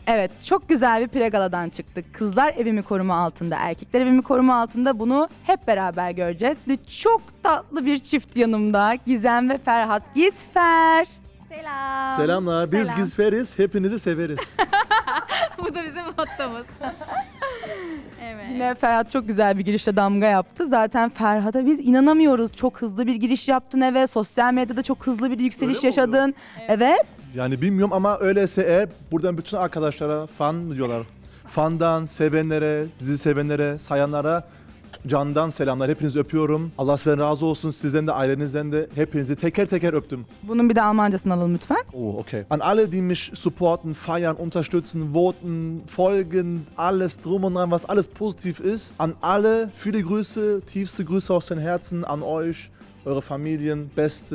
Evet, çok güzel bir pregaladan çıktık. Kızlar evimi koruma altında, erkekler evimi koruma altında. Bunu hep beraber göreceğiz. Ve çok tatlı bir çift yanımda. Gizem ve Ferhat. Gizfer. Selam. Selamlar. Biz Selam. Gizferiz. Hepinizi severiz. Bu da bizim mottomuz. Evet. Yine Ferhat çok güzel bir girişle damga yaptı. Zaten Ferhat'a biz inanamıyoruz. Çok hızlı bir giriş yaptın eve. Sosyal medyada çok hızlı bir yükseliş Öyle mi yaşadın. Evet. Yani bilmiyorum ama öyleyse eğer buradan bütün arkadaşlara fan mı diyorlar? Fandan, sevenlere, bizi sevenlere, sayanlara candan selamlar. Hepinizi öpüyorum. Allah sizden razı olsun. Sizden de ailenizden de hepinizi teker teker öptüm. Bunun bir de Almancasını alalım lütfen. Oh, okay. An alle, die mich supporten, feiern, unterstützen, voten, folgen, alles drum und dran, was alles positiv ist. An alle, viele Grüße, tiefste Grüße aus den Herzen an euch, eure Familien,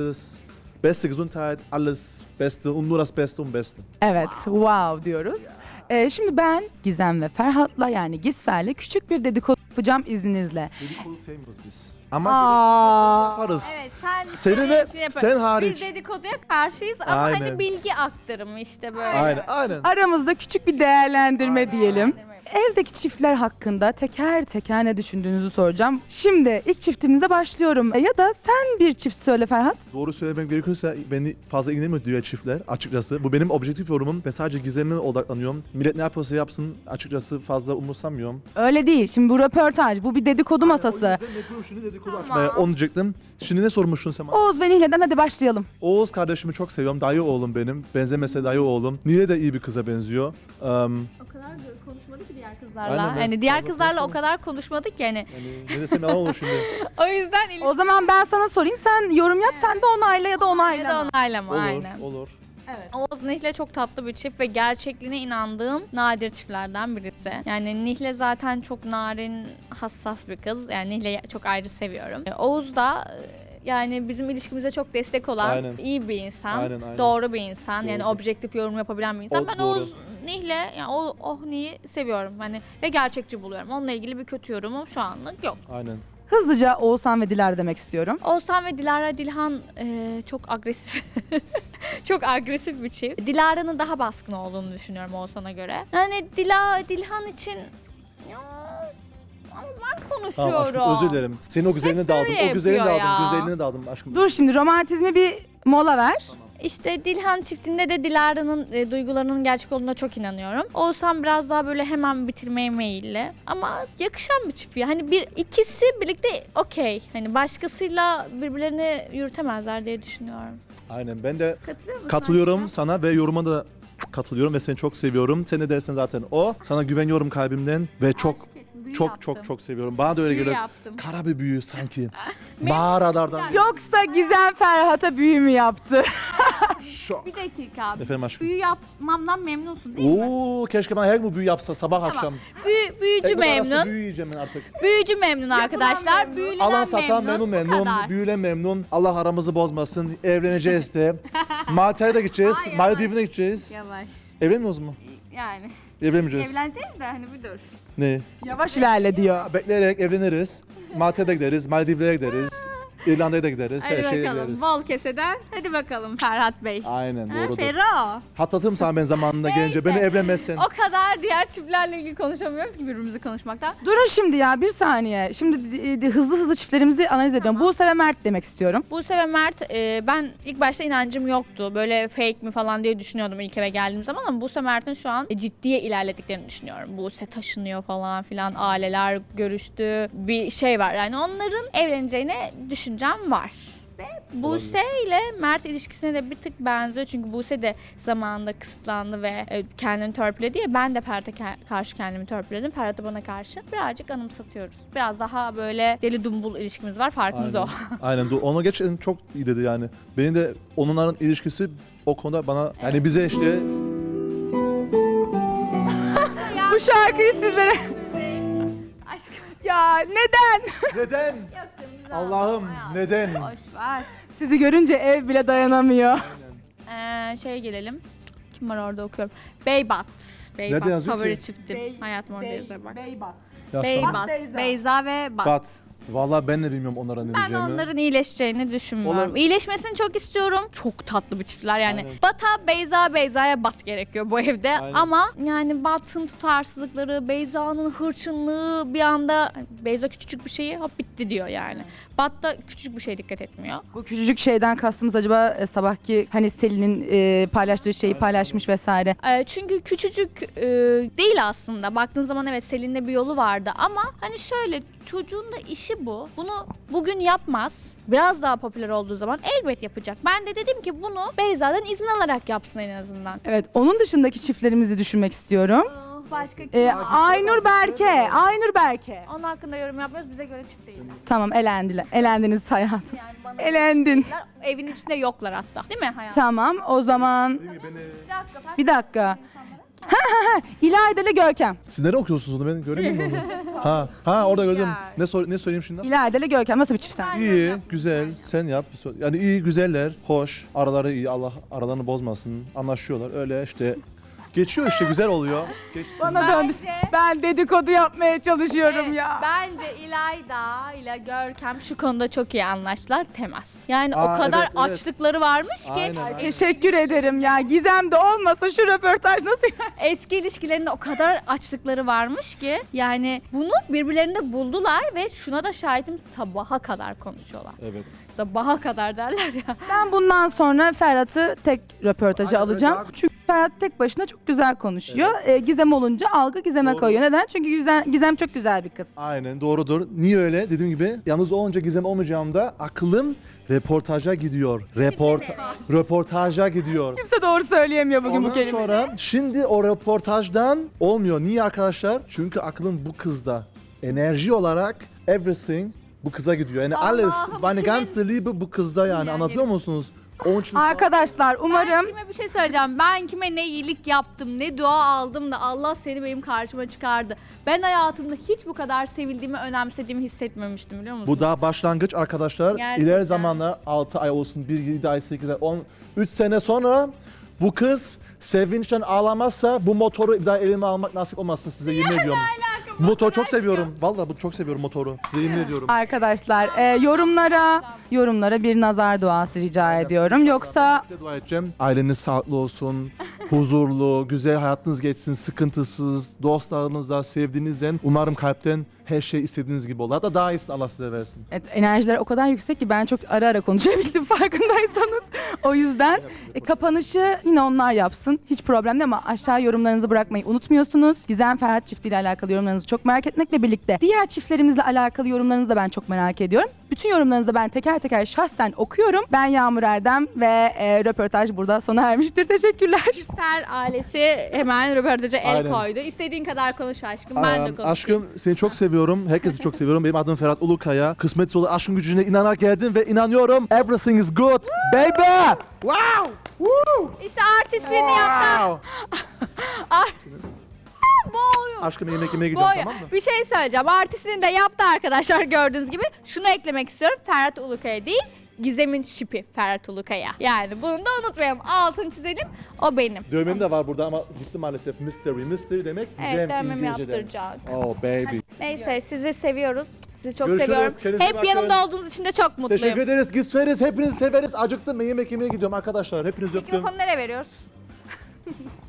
beste Gesundheit, alles Beste und nur das Beste und Beste. Evet, wow diyoruz. Şimdi ben Gizem ve Ferhat'la yani Gizfer'le küçük bir dedikodu yapacağım izninizle. Dedikodu sevmiyoruz biz. Ama Aa, yaparız. Evet Senin senin de- için yaparız. sen hariç. Biz dedikoduya karşıyız ama Aynen. hani bilgi aktarımı işte böyle. Aynen. aramızda küçük bir değerlendirme diyelim. Değerlendirme. Evdeki çiftler hakkında teker teker ne düşündüğünüzü soracağım. Şimdi ilk çiftimizle başlıyorum. Ya da sen bir çift söyle Ferhat. Doğru söylemek gerekirse beni fazla ilgilenmiyor diğer çiftler açıkçası. Bu benim objektif yorumum. Ben sadece Gizem'e odaklanıyorum. Millet ne yapıyorsa yapsın açıkçası fazla umursamıyorum. Öyle değil. Şimdi bu röportaj, bu bir dedikodu masası. Şimdi dedikodu Tamam. açmaya onu diyecektim. Şimdi ne sormuştun sen bana? Oğuz ve Nihle'den hadi başlayalım. Oğuz kardeşimi çok seviyorum. Dayı oğlum benim. Benzemese dayı oğlum. Nile de iyi bir kıza benziyor. O kadar konuşmadık ki diğer kızlarla. Aynen, ben hani diğer fazla kızlarla o konuşmadım. kadar konuşmadık ki hani. Yani ne desem yalan olur şimdi. O yüzden O zaman ben sana sorayım. Sen yorum yap, sen de onayla ya da ya onaylama. da onaylama Olur, aynen. olur. Oğuz Nihle çok tatlı bir çift ve gerçekliğine inandığım nadir çiftlerden birisi. Yani Nihle zaten çok narin, hassas bir kız. Yani Nihle'yi çok ayrı seviyorum. Oğuz da yani bizim ilişkimize çok destek olan Aynen. iyi bir insan. Aynen. Doğru bir insan. Yani Doğru. objektif yorum yapabilen bir insan. O Ben doğru. Oğuz Nihle yani o Nihi seviyorum. Hani ve gerçekçi buluyorum. Onunla ilgili bir kötü yorumum şu anlık yok. Aynen. Hızlıca Oğuzhan ve Dilara demek istiyorum. Oğuzhan ve Dilara Dilhan çok agresif. Çok agresif bir çift. Dilara'nın daha baskın olduğunu düşünüyorum Oğuzhan'a göre. Yani Dilhan için ya, ama ben konuşuyorum. Tamam aşkım özür dilerim. Senin o güzelliğine daldım. böyle O güzelliğine yapıyor daldım. ya. Güzelliğine daldım aşkım. Dur şimdi romantizmi bir mola ver. İşte Dilhan çiftinde de Dilara'nın duygularının gerçek olduğuna çok inanıyorum. Oğuzhan biraz daha böyle hemen bitirmeye meyilli. Ama yakışan bir çift ya. Hani ikisi birlikte okey. Hani başkasıyla birbirlerini yürütemezler diye düşünüyorum. Aynen ben de Katılıyor musun? katılıyorum aşkım? sana ve yoruma da katılıyorum ve seni çok seviyorum. Sen ne dersen zaten o. Sana güveniyorum kalbimden ve çok Büyü çok yaptım. çok çok seviyorum. Bana da öyle Büyü geliyor. yaptım. Kara bir büyü sanki. Mağaralardan. Yoksa Gizem Ferhat'a büyü mü yaptı? Şok. Bir dakika. Efendim aşkım. Büyü yapmamdan memnunsun değil mi? Oo keşke bana her gün büyü yapsa sabah akşam. Büyücü Ekmek arası memnun. Büyü yiyeceğim ben artık. Büyücü memnun arkadaşlar. Büyülenen Alan satan memnun Bu memnun. kadar. Büyülen memnun. Allah aramızı bozmasın. Evleneceğiz de. Malta'ya da gideceğiz. Hayır, Maldiv'ine gideceğiz. Yavaş. Evlenmiyoruz mu? Yani Evlenmeyeceğiz. evleneceğiz de hani bir dur. Ne? Yavaş ilerle diyor. Bekleyerek evleniriz. Malta'ya da gideriz. Maldivlere gideriz. İrlanda'ya da gideriz. Hadi Her şeye bakalım. gideriz. Bol keseden. Hadi bakalım Ferhat Bey. Aynen Ha, doğrudur. Ferro. Hatırlatırım sana ben zamanında gelince. Beni evlenmezsen. O kadar diğer çiftlerle ilgili konuşamıyoruz ki birbirimizi konuşmaktan. Durun şimdi ya bir saniye. Şimdi hızlı hızlı çiftlerimizi analiz ediyorum. Buse ve Mert demek istiyorum. Buse ve Mert ben ilk başta inancım yoktu. Böyle fake mi falan diye düşünüyordum ilk eve geldiğim zaman ama Buse Mert'in şu an ciddiye ilerlediklerini düşünüyorum. Buse taşınıyor falan filan, aileler görüştü. Bir şey var yani onların evleneceğine düşüncem var. Ve Buse ile Mert ilişkisine de bir tık benziyor. Çünkü Buse de zamanında kısıtlandı ve kendini törpüledi ya. Ben de Ferhat'a karşı kendimi törpüledim. Ferhat da bana karşı. Birazcık anımsatıyoruz. Biraz daha böyle deli dumbul ilişkimiz var. Farkımız o. Aynen. Onu gerçekten çok iyi dedi yani. Benim de onların ilişkisi o konuda bana yani bize işte Bu şarkıyı sizlere... Aşkım. Ya neden? neden? Allah'ım, neden? Boş ver. Sizi görünce ev bile dayanamıyor. Şeye gelelim. Kim var orada okuyorum. Beybat. Nerede Beybat yazıyor favori ki? çiftim. Hayatım orada yazıyor bak. Beybat. Ya Beybat. Beyza. Beyza ve Bat. Bat. Vallahi ben de bilmiyorum onlara ne Ben diyeceğimi. onların iyileşeceğini düşünmüyorum. Olur. İyileşmesini çok istiyorum. Çok tatlı bir çiftler yani. Aynen. Bat'a Beyza, Beyza'ya Bat gerekiyor bu evde. Aynen. Ama yani Bat'ın tutarsızlıkları, Beyza'nın hırçınlığı bir anda Beyza küçücük bir şeyi hop bitti diyor yani. Bat da küçücük bir şeye dikkat etmiyor. Bu küçücük şeyden kastımız acaba sabahki hani Selin'in paylaştığı şeyi paylaşmış vesaire. Çünkü küçücük değil aslında. Baktığın zaman evet Selin'de bir yolu vardı ama hani şöyle çocuğun da işi bu. Bunu bugün yapmaz. Biraz daha popüler olduğu zaman elbet yapacak. Ben de dedim ki bunu Beyza'dan izin alarak yapsın en azından. Evet, onun dışındaki çiftlerimizi düşünmek istiyorum. Başka Aynur Berke, Aynur Berke. Onun hakkında yorum yapmıyoruz. Bize göre çift değiller. Tamam, elendiler. Elendiniz hayatım. Yani bana Elendin. evin içinde yoklar hatta. Değil mi hayatım? Tamam, o zaman Bir dakika. bir dakika. İlayda ile Görkem. Siz nereye okuyorsunuz onu? Ben göremiyorum onu. Ha orada gördüm. Ne söyleyeyim şimdi? İlayda ile Görkem nasıl bir çift sen? İyi, güzel. Sen yap. Yani iyi, güzeller, hoş. Araları iyi. Allah aralarını bozmasın. Anlaşıyorlar. Öyle işte. Geçiyor işte, güzel oluyor. Geçsin. Bana döndü. Bence- Ben dedikodu yapmaya çalışıyorum Evet, ya. Bence İlayda ile Görkem şu konuda çok iyi anlaştılar. Temas. Yani Aa, o kadar evet, evet. açlıkları varmış ki Aynen. Teşekkür ederim ya. Gizem de olmasa şu röportaj nasıl? eski ilişkilerinde o kadar açlıkları varmış ki yani bunu birbirlerinde buldular ve şuna da şahidim sabaha kadar konuşuyorlar. Evet. Sabaha kadar derler ya. Ben bundan sonra Ferhat'ı tek röportajı Aynen, alacağım. öyle. Çünkü Ferhat tek başına çok güzel konuşuyor. Gizem olunca algı Gizem'e Doğru. kayıyor. Neden? Çünkü Gizem çok güzel bir kız. Aynen, doğrudur. Niye öyle? Dediğim gibi yalnız olunca, Gizem olmayacağımda aklım reportaja gidiyor. Röportaja gidiyor. Kimse doğru söyleyemiyor bugün bu Ondan kelimeyi. sonra şimdi o röportajdan olmuyor. Niye arkadaşlar? Çünkü aklım bu kızda. Enerji olarak everything bu kıza gidiyor. Yani alles, meine ganze Liebe bu kızda yani. Anlatıyor musunuz? Onun için Arkadaşlar Ben umarım kime bir şey söyleyeceğim. Ben kime ne iyilik yaptım, ne dua aldım da Allah seni benim karşıma çıkardı. Ben hayatımda hiç bu kadar sevildiğimi, önemsediğimi hissetmemiştim biliyor musun? bu daha başlangıç arkadaşlar. Gerçekten. İleri zamanlar 6 ay olsun, 1, 7 ay, 8 ay, 10, 3 sene sonra bu kız sevinçten ağlamazsa bu motoru bir daha elime almak nasip olmazsın, size yemin ediyorum. Bu motoru çok seviyorum. Vallahi bu çok seviyorum motoru. Size yemin ediyorum. arkadaşlar yorumlara bir nazar duası rica ediyorum. Yoksa Size dua edeceğim. Aileniz sağlıklı olsun, huzurlu, güzel hayatınız geçsin, sıkıntısız, dostlarınızla, sevdiğinizle. Umarım kalpten her şey istediğiniz gibi olur. Hatta daha iyisini Allah size versin. evet, enerjiler o kadar yüksek ki ben çok ara ara konuşabildim farkındaysanız. O yüzden kapanışı yine onlar yapsın. Hiç problem değil ama aşağı yorumlarınızı bırakmayı unutmuyorsunuz. Gizem Ferhat çiftiyle alakalı yorumlarınızı çok merak etmekle birlikte diğer çiftlerimizle alakalı yorumlarınızı da ben çok merak ediyorum. Bütün yorumlarınızı da ben teker teker şahsen okuyorum. Ben Yağmur Erdem ve röportaj burada sona ermiştir. Teşekkürler. Fer ailesi hemen röportaja el Aynen. koydu. İstediğin kadar konuş aşkım. Ben de konuşayım. Aşkım seni çok seviyorum. Herkesi çok seviyorum. Benim adım Ferhat Ulukaya. Kısmet olur aşkın gücüne inanarak geldim ve inanıyorum. Everything is good, baby. Wow! Woo! İşte artistliğini yaptı. Wow! Boğuyor. Aşkım yemek yemeye gidiyorum, Boğuyor. tamam mı? Bir şey söyleyeceğim. Artistliğini de yaptı arkadaşlar gördüğünüz gibi. Şunu eklemek istiyorum. Ferhat Ulukaya değil. Gizem'in şipi Ferhat Ulukaya. Yani bunu da unutmayalım. Altını çizelim. O benim. Dövmem de var burada ama gitti maalesef. Mystery demek Evet, Gizem dövmemi İngilizce'de. yaptıracak. Oh baby. Neyse sizi seviyoruz. Sizi çok Görüşürüz. seviyorum. Kendinize Hep bakın. yanımda olduğunuz için de çok mutluyum. Teşekkür ederiz. Gitseniz hepinizi severiz. Acıktım. Ben yemek yemeye gidiyorum arkadaşlar. Hepinizi öptüm. Mikrofonu nereye veriyoruz?